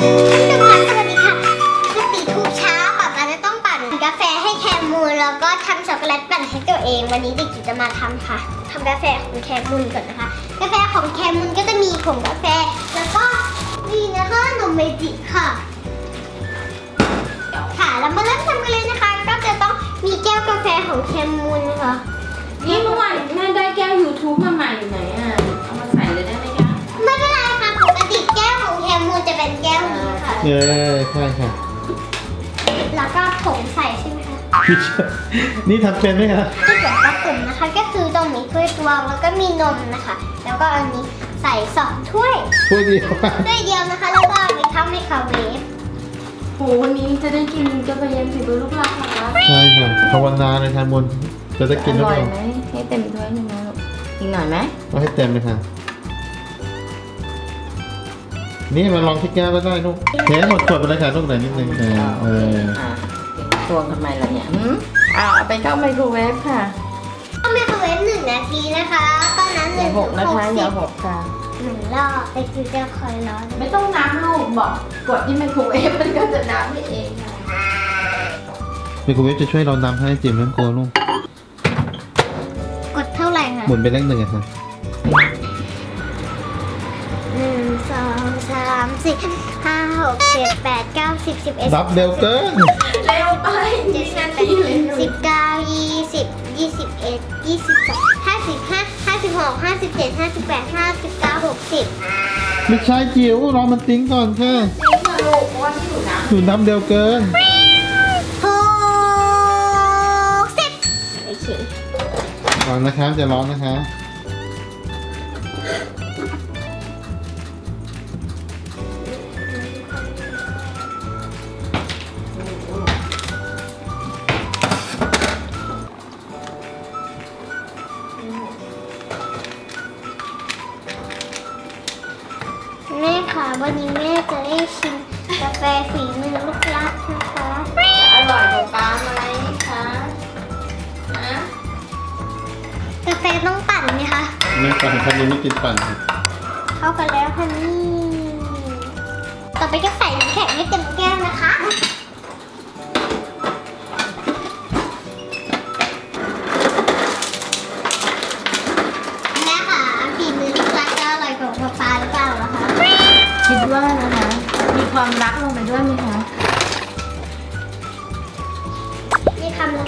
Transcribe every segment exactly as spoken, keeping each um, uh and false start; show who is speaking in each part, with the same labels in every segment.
Speaker 1: สวัสดีค่ะปกติทุกเช้าป๊าป๊าจะต้องปั่นกาแฟให้แคมูลแล้วก็ทำช็อกโกแลตปั่นให้ตัวเองวันนี้เด็กจิ๋วจะมาทำค่ะทำกาแฟของแคมูลก่อนนะคะกาแฟของแคมูลก็จะมีผงกาแฟแล้วก็นี่นะคะนมเมจิค่ะค่ะแล้วมาเริ่มทำกันเลยนะคะก็จะต้องมีแก้วกาแฟของแคมูลนะคะ
Speaker 2: นี่เมื่อวานแม่ได้แก้ว ยูทูบ มาใหม่อยู่ไหนอ่ะ เอามาใส่เลยได้ไหมคะ
Speaker 1: ไม่เป็นไรค่ะปกติแก้วของแคมูลจะเป็นแก้วนี้ค่ะ
Speaker 3: เออใช่ค่ะ
Speaker 1: แล้วก็ผงใส่ใช่ไหมคะ
Speaker 3: นี่ทำเป็นไหมคะ
Speaker 1: ที่ส่วนผสมนะคะก็คือต้องมีถ้วยตวงแล้วก็มีนมนะคะ แล้วก็อันนี้ใส่สองถ้วย
Speaker 3: ถ้วยเดียว
Speaker 1: ถ้วยเดียวนะคะแล้วก็เอาไปเข้าไมโครเวฟ
Speaker 2: โหวันนี้จะได้กินกาแฟเย็นฝีมือลูกรักเหรอคะ
Speaker 3: ใช่ค่ะภาวนาเลยทานบนจะได้กินหรือ
Speaker 2: อ
Speaker 3: เป
Speaker 2: ร่อย
Speaker 3: ล่า
Speaker 2: ไหมให้เต็มถ้วยหนึงนะลูกอีกหน่อยไหม
Speaker 3: เอาให้เต็มเลยค่ะ นี่มาลองที่แก้วก็ได้ลูกเทหมดขวดไปเลยค่ะลูกหน่อยนิดนึงเออเออ
Speaker 2: อ่ะตวงทำไมล่ะเนี่ยหืมอ่ะเอาไปเข้าไมโครเวฟค่ะ
Speaker 1: เข้าไมโครเวฟหนึ่งนาทีนะคะตอนนั้นห
Speaker 2: อย่า
Speaker 1: นึ่ง
Speaker 2: หกนะคะ
Speaker 1: สิ
Speaker 2: อย่า
Speaker 1: บ
Speaker 2: หกค่ะ
Speaker 1: หนึ่งรอบไปคือจะคอยร้อน
Speaker 2: ไม่ต้องนับลูกบอกกดที่ไมโครเวฟมันก็จะนับให้เองค่ะ
Speaker 3: ไมโครเวฟจะช่วยเรานำให้จิ๋มน้ำโกลูก
Speaker 1: กดเท่าไหร่คะ
Speaker 3: หมุนไปเลขหนึ่งอะค่ะ
Speaker 1: หนึ่งสองสามสี่ห้าหกเจ็ดแปดเก้าสิบสิบเอ็ด
Speaker 3: รับเร็วเกิน
Speaker 2: เร็วไป
Speaker 1: เจ็ด
Speaker 2: นี่
Speaker 1: สิบ
Speaker 2: นา
Speaker 1: แป
Speaker 2: ที
Speaker 1: ด
Speaker 2: เลย
Speaker 1: สิบเก้ายี่สิบยี่สิบเอ็ดยี่สิบสองห้าสิบห้าห้าสิบหกห้าสิบเจ็ดห้าสิบแปดห้าสิบเก้าหกสิบ
Speaker 3: ไม่ใช่จิ๋วรอมันติ้งก่อนค่ะ
Speaker 2: จริงเหรอลูกเพราะว่าที่หนูนับ
Speaker 3: หนูนับเร็วเกิน
Speaker 1: หกสิบโอเค
Speaker 3: ร้อนนะคะจะร้อนนะคะ
Speaker 1: แม่ค่ะวันนี้แม่จะได้ชิมกาแฟฝีมือลูกรักนะคะ
Speaker 2: อร่อยกว่าป้าไหมคะฮะ
Speaker 1: กาแฟต้องปั่นไหมคะ
Speaker 3: ไม่ปั่นคันนี้ไม่กินปั่นค่ะ
Speaker 1: เข้ากันแล้วค่ะนี่ต่อไปก็ใส่น้ำแข็งให้เต็มแก้วนะคะแม่ค่ะฝีมือลูกรักจะอร่อยกว่าป๊าป๊าหรือเปล่าล่ะคะ
Speaker 2: คิดว่านะคะ มีความรักลงไปด้วยไหมคะ
Speaker 1: นี่คำนึง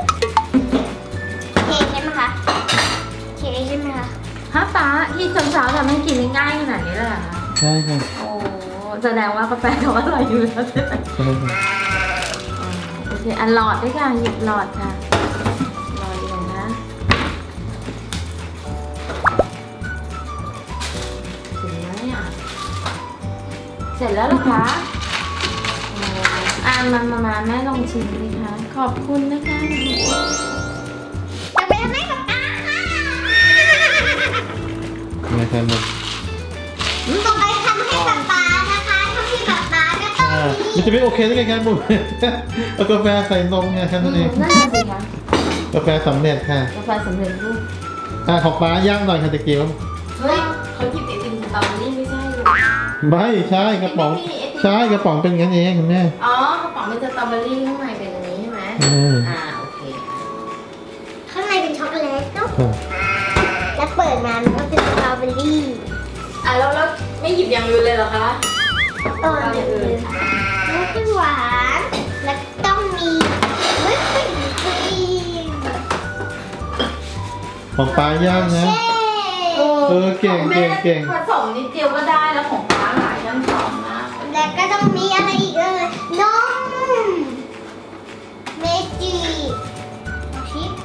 Speaker 1: เคใช่ไหมคะเคใช่ไหมคะ
Speaker 2: ฮะป้าที่สาวๆทำให้กินง่ายๆขนาดนี้เลยเหรอคะ
Speaker 3: ใช่ค่ะ
Speaker 2: โอ้แสดงว่ากาแฟเขาอร่อยอยู่แล้วใช่ไหม
Speaker 3: ใช่ค่ะ
Speaker 2: อ๋อโอเคอันหลอดด้วยค่ะหยิบหลอดค่ะหลอดอยู่ไหนนะถึงแล้วเนี่ยเสร็จแล้วเหรอคะโอ้อ่ามามามาแม่ลองชิมดิคะขอบคุณนะคะ
Speaker 1: จะไปทำให้ป๊าป๊าค่ะ
Speaker 3: ไม่ใช่หมด
Speaker 1: ต่อไปทำให้ป๊าป๊านะคะทำให้ป๊าป๊าก็ต้อง
Speaker 3: อ่า
Speaker 1: มี
Speaker 3: มันจะไม่โอเคได้ไงครับบุ๋ม เอากาแฟใส่นมไงแค่นั้นเอง
Speaker 2: นั่นน่ะสิคะ
Speaker 3: กาแฟสำเร็จค่ะ
Speaker 2: กาแฟสำเร็จรูป
Speaker 3: อ่าของป้าย่างหน่อยค่ะตะเกียบ
Speaker 2: เฮ้ยเขาหยิบไอติมสตรอเบอรี่ไม่ใช่หรอ
Speaker 3: ไม่ใช่กระป๋อง ใช่กระป๋องเป็นงั้นเองคุณแม่
Speaker 2: อ๋อกระป๋องเป็นสตรอเบอรี่ข้างในเป็นอันนี้ใช่ไหม
Speaker 3: อืม
Speaker 2: อ่าโอเค
Speaker 1: ข้างในเป็นช็อกโกแลตเนาะ
Speaker 3: ค่ะ
Speaker 1: แล้วเปิดมามันก็เป็นสตรอเบอรี่
Speaker 2: อ่ะแล้วแล้วไม่หยิบอย่างอื่นเลยเหรอคะ
Speaker 1: เออเนี่ยเลยแล้วก็หวาน แล้วต้องมีวิปปิ้งครีม
Speaker 3: ของป้าย่างนะ
Speaker 1: เช่
Speaker 3: เออเก่งเก่งเก่ง
Speaker 2: ผสมนิดเดียวก็ได้แล้วของป้าหลายขั้นตอนมาก
Speaker 1: แล้วก็ต้องมีอะไรอีกเอ่ยนมเมจิชิป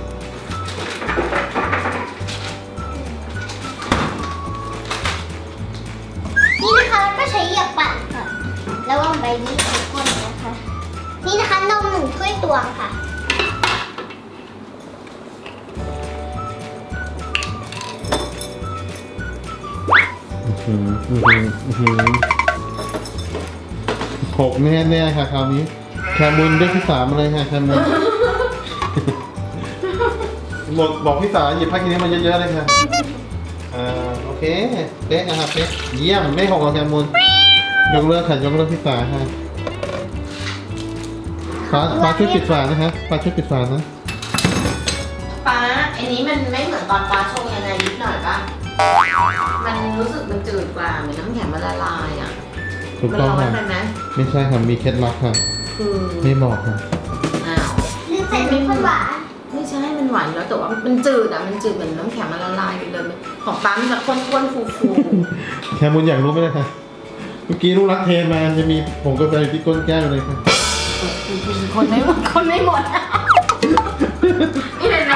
Speaker 1: นี่นะคะแล้วก็ใช้เหยียบปั่นค่ะระวังใบนี้ทุกคนนะคะ นี่นะคะนมหนึ่งถ้วยตวงค่ะ
Speaker 3: อืมอืมอืมอืมหกแน่แน่ๆค่ะคราวนี้ แคมุนได้ที่สามมาเลยค่ะแคมุน หมดบอกพี่สาวหยิบผ้าคีริ้วมาเยอะๆเลยค่ะอ่าโอเคเป๊ะนะครับเป๊ะเยี่ยมไม่หกหรอกแคมุนยกเลิกค่ะยกเลิกพี่ตาค่ะฟ้าฟ้าช่วยปิดฝานะฮะฟ้าช่วยปิดฝานะ
Speaker 2: ป้าอันนี้มันไม่เหมือนตอนป้าชงยังไงนิดหน่อยป่ะมันรู้สึกมันจืดกว่าเหมือนน้ำแข็งมันละลายอ่ะ
Speaker 3: ถูก
Speaker 2: มัน
Speaker 3: ต้อง
Speaker 2: ร้อน
Speaker 3: ค่ะ
Speaker 2: ไปไหม
Speaker 3: ไม่ใช่ค่ะมีเคล็ดลับค่ะ
Speaker 2: คือ
Speaker 3: ไม่บอกค่ะ
Speaker 2: อ้าว
Speaker 1: ลืมใส่น้ำข้นหวาน
Speaker 2: ไม่ใช่มันหวานแล้วแต่ว่ามันจืดอ่ะมันจืดเหมือนน้ำแข็งมันละลายไปเลยของป้ามันจะข้นๆฟู
Speaker 3: แคมุนอยากรู้ไหมล่ะคะเมื่อกี้ลูกรักเทมาจะมีผงกาแฟอยู่ที่ก้นแก้วเลยค่ะ
Speaker 2: ๆคนไม่หมดคนไม่หมดนี่เลยนะ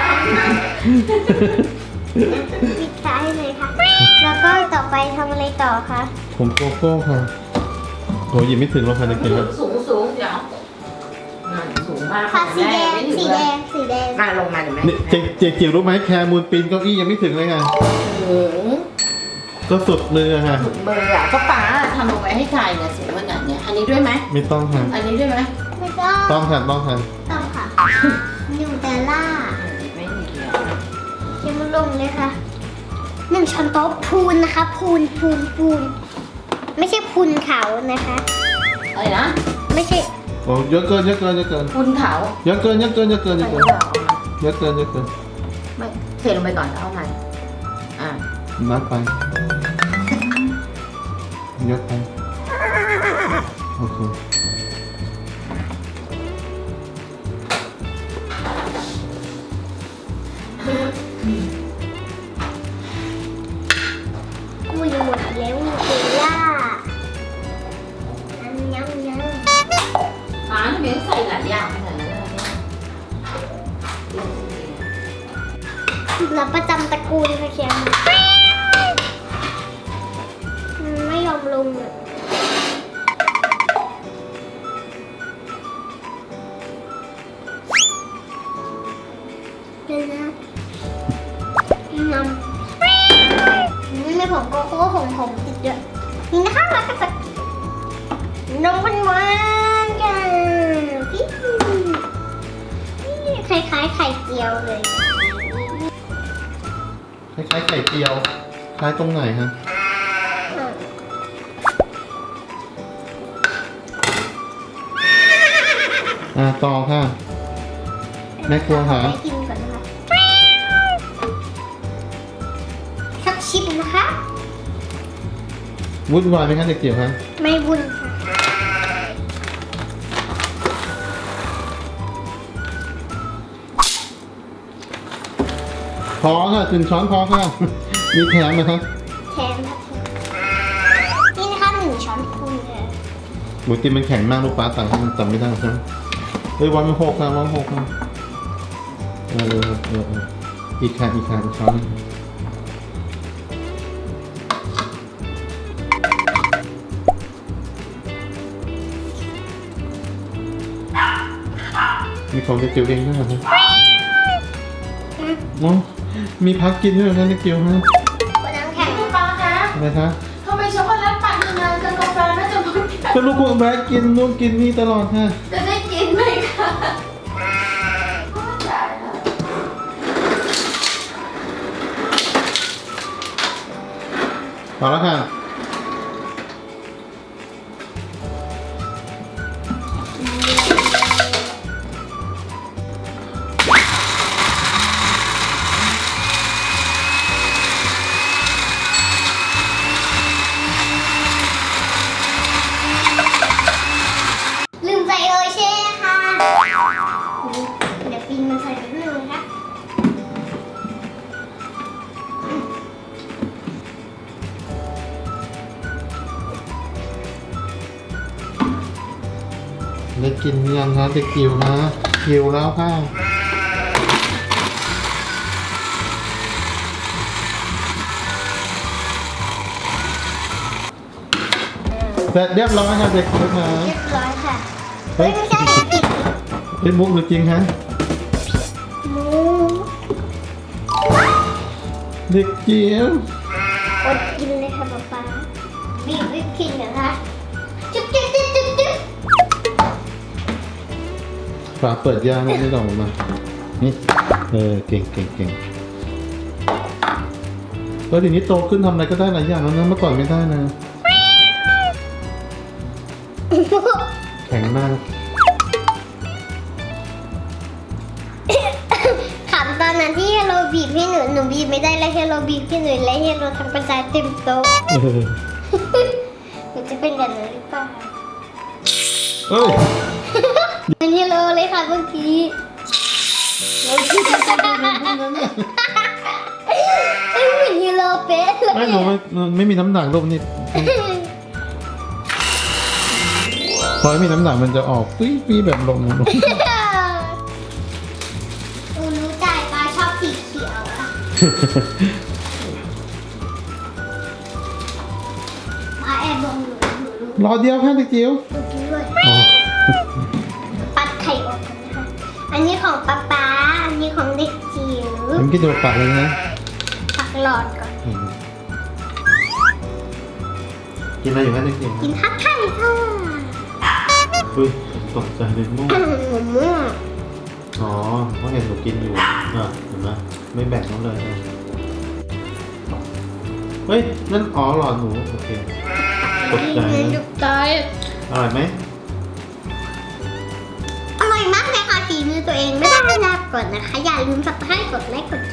Speaker 1: ปิดฝาให้เลยค่ะ แล้วก็ต่อไปทำอะไรต่อคะ
Speaker 3: ผมโกโก้ค่ะโหหยิบไม่ถึงหรอกค่ะจะกินแล้ว
Speaker 2: สูงสูงเดี๋ยวนั่นสูงมาก
Speaker 1: ฝาสีแดง
Speaker 2: ไม่ถึ
Speaker 1: สี
Speaker 2: เล
Speaker 1: แด
Speaker 2: ย
Speaker 1: ง สีแดง
Speaker 2: มาลงมาเดี๋ยวแม่
Speaker 3: นี่เจ๊เจ๊จิ๋วรู้ไหมแคมูนปีนเก้าอี้ยังไม่ถึงเลยค่ะ
Speaker 2: สูง
Speaker 3: ก็สุดมือค่ะ
Speaker 2: สุดเบอร์อ่ะก็ป้าทำลงไปให้ใครเนี่ยสูงขนาดเนี้ยอันนี้ด้วยไหม
Speaker 3: ไม่ต้องค่ะ
Speaker 2: อันนี้ด้วยไหม
Speaker 1: ไม่ต้อง
Speaker 3: ต้องค่ะต้องค่ะ
Speaker 1: ต้องค่ะนิวเตลล่า
Speaker 2: ไม่มีเดียว
Speaker 1: เขียนมาลงเลยค่ะหนึ่งช้อนโต๊ะพูนนะคะ พูนพูนพูนไม่ใช่พูนเขานะคะ
Speaker 2: อะไรนะ
Speaker 1: ไม่ใช่
Speaker 3: โอ้เยอะเกินเยอะเกินเยอะเกิน
Speaker 2: คุณเขา
Speaker 3: เยอะเกินเยอะเกินเยอะเกินเย
Speaker 2: ใส่
Speaker 3: อะเกิ
Speaker 2: ห
Speaker 3: น
Speaker 2: รือเปล่า
Speaker 3: เยอะเกินเยอะเกิน
Speaker 2: ไม่เทลงไปก่อนแล้วเอาใหม่อ่ะ
Speaker 3: นับไปเยอะไปโอเค
Speaker 1: กูยังหมดแล้วนิวเตลล่าอันยังยัง
Speaker 2: ป้าทำไมต้องใส่หลายอย่างขนาดนั้นเลยเนี่ย
Speaker 1: สูตรลับประจำตระกูลค่ะเขียนมันไม่ยอมลงอ่ะเดี๋ยวนะนำนี่ไม่ผงโกโก้ผงผมติดเยอะนี่นะคะมากันสักนมหวานๆกันพี่นี่คล้ายๆไข่เจียวเลย
Speaker 3: คล้ายๆไข่เจียวคล้ายตรงไหนฮะอ่าต่อค่ะแม่ครัวหา
Speaker 1: ไปกินก่อนนะคะสักชิปนะคะ
Speaker 3: วุ่นวายไหมคะเด็กเกี่ยวคะ
Speaker 1: ไม่บุญค่ะ
Speaker 3: พอค่ะถึงช้อนพอค่ะ มีแถมไหมคะ
Speaker 1: แทนค่ะนี่นะคะหนึ่งช้อนพูนเลย
Speaker 3: หมูติมมันแข็งมากลูกปลาต่างให้มันจำไม่ได้ใช่ไหมเฮ้ยวันมันหกค่ะวันหกค่ะเออเออเออเอออีกค่ะอีกค่ะอีกช้อนหนึ่งมีของเด็กเกี่ยวเองด้วยเหรอคะอ๋อมีพักกินด้วยเหรอคะเด็กเกี่ยวฮะ
Speaker 1: วันน้ำแข็ง
Speaker 2: คุณป้าคะ
Speaker 3: อะไรคะ
Speaker 2: ทำไมช็อกโกแลตปั่นนานจังกาแฟน่าจะหมด
Speaker 3: ก็ลูกคุณแบกกินนู่นกินนี่ตลอดค่ะ
Speaker 2: จะได้กินไหมคะได้แล้ว
Speaker 3: พอแล้วค่ะ
Speaker 1: ลืมใส่เออเช่ค่ะเดี๋ยวปินมันใส่นิดนึงนะคะ
Speaker 3: ได้กินหรือยังคะเด็กกิวนะกิวแล้วค่ะเสร็จเรียบร้อยค่ะเด็กกิวค่ะ
Speaker 1: เรียบร้อยค่ะ เฮ้ยไม่ใช่ติด
Speaker 3: เฮ้ยมุกหรือจริงฮะ
Speaker 1: หมู
Speaker 3: เด็กเจียว
Speaker 1: อดกินเลยค่ะป๊าป๊าบีบวิปครีมเหรอคะจุ๊บจุ๊บจุ๊บจุ๊บจุ๊บ
Speaker 3: ฝาเปิดยางไม่ได้ออกมา นี่เออเก่งเก่งเก่งเออทีนี้โตขึ้นทำอะไรก็ได้หลายอย่างแล้วนะเมื่อก่อนไม่ได้นะแข็งมาก
Speaker 1: ขำตอนนั้นที่เฮโลบีบให้หนูหนูบีบไม่ได้แล้วเฮโลบีบให้หนูและเฮโลทำกระจายเต็มโต๊ะ
Speaker 3: เออ
Speaker 1: หนูจะเป็นแบบนั้นหรือเปล่า
Speaker 3: เอ้ย
Speaker 1: เป็นเฮโลเลยค่ะเมื่อกี้ ไม่เหมือนเฮโลเป๊ะเลย
Speaker 3: ไม่หนูไม่มันไม่มีน้ำหนักลูกนี่พอไม่มีน้ำหนักมันจะออกตุ้ยปีแบบลมนะลูก
Speaker 1: หนูรู้ใจป้าชอบสีเขียวอะป้าแอบบอกหนูหนูรู้
Speaker 3: รอเดียวค่ะเด็กจิ๋ว
Speaker 1: หนูกินด้วย
Speaker 3: อ๋อ
Speaker 1: ปัดไข่ออกกันนะคะ อันนี้ของป๊าป๊า อันนี้ของเด็กจิ๋ว
Speaker 3: ผมกินตัวปากเลยนะ
Speaker 1: ปักหลอดก่อน
Speaker 3: อืมกินอะไรอยู่คะเด็กจิ๋ว
Speaker 1: กินฮัทไข่ค่ะ
Speaker 3: อุ้ยตกใจเลยม่วง
Speaker 1: หมูม่วง
Speaker 3: อ๋อเพราะเห็นหนูกินอยู่อ่ะเห็นไหมไม่แบ่งน้องเลยนะเฮ้ยนั่นอ๋อหลอดหนูโอเคตกใจ
Speaker 1: เงิน
Speaker 3: นะ
Speaker 1: จุกใจ
Speaker 3: อร่อยไหม
Speaker 1: อร่อยมากเลยค่ะฝีมือตัวเองไม่ต้องลาก่อนนะคะ อย่าลืมสับสไครต์กดไลค์กด